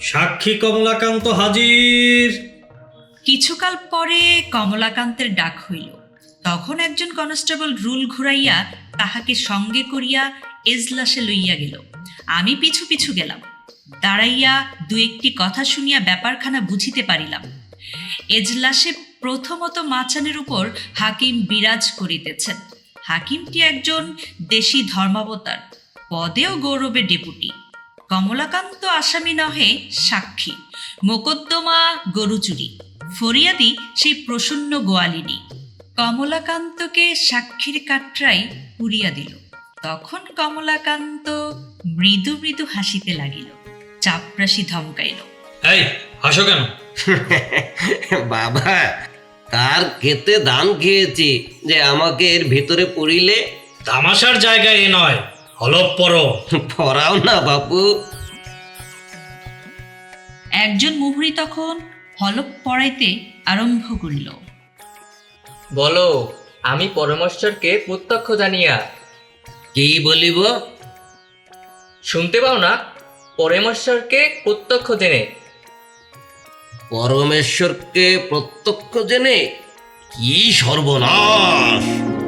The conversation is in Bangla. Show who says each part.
Speaker 1: সাক্ষী কমলাকান্ত হাজির।
Speaker 2: কিছুকাল পরে কমলাকান্তের ডাক হইল। তখন একজন কনস্টেবল রুল ঘুরাইয়া তাহাকে সঙ্গে করিয়া এজলাসে লইয়া গেল। আমি পিছু পিছু গেলাম। দাঁড়াইয়া দু একটি কথা শুনিয়া ব্যাপারখানা বুঝিতে পারিলাম। এজলাসে প্রথমত মাচানের উপর হাকিম বিরাজ করিতেছেন। হাকিমটি একজন দেশি ধর্মাবতার, পদেও গৌরবের ডেপুটি। কমলাকান্ত আসামি নহে, সাক্ষী। মোকদ্দমা গরু চুরি, ফরিয়াদি সেই প্রসন্ন গোয়ালিনী। কমলাকান্তকে সাক্ষীর কাটরাই পুড়িয়া দিল। তখন কমলাকান্ত মৃদু মৃদু হাসিতে লাগিল, চাপরাশি ধমকাইল,
Speaker 1: এই হাসো কেন?
Speaker 3: বাবা, কার খেতে দান খেয়েছি যে আমাকে এর ভিতরে পড়িলে?
Speaker 1: তামাশার জায়গা এ নয়, হলপ পড়ো।
Speaker 3: পড়াও না বাপু।
Speaker 2: একজন মুহুরী তখন হলপ পড়াইতে আরম্ভ করিল।
Speaker 4: বলো, আমি পরমেশ্বরকে প্রত্যক্ষ জানিয়া।
Speaker 3: কি বলিব?
Speaker 4: শুনতে পাও না? পরমেশ্বরকে প্রত্যক্ষ জেনে।
Speaker 3: পরমেশ্বরকে প্রত্যক্ষ জেনে? কি সর্বনাশ!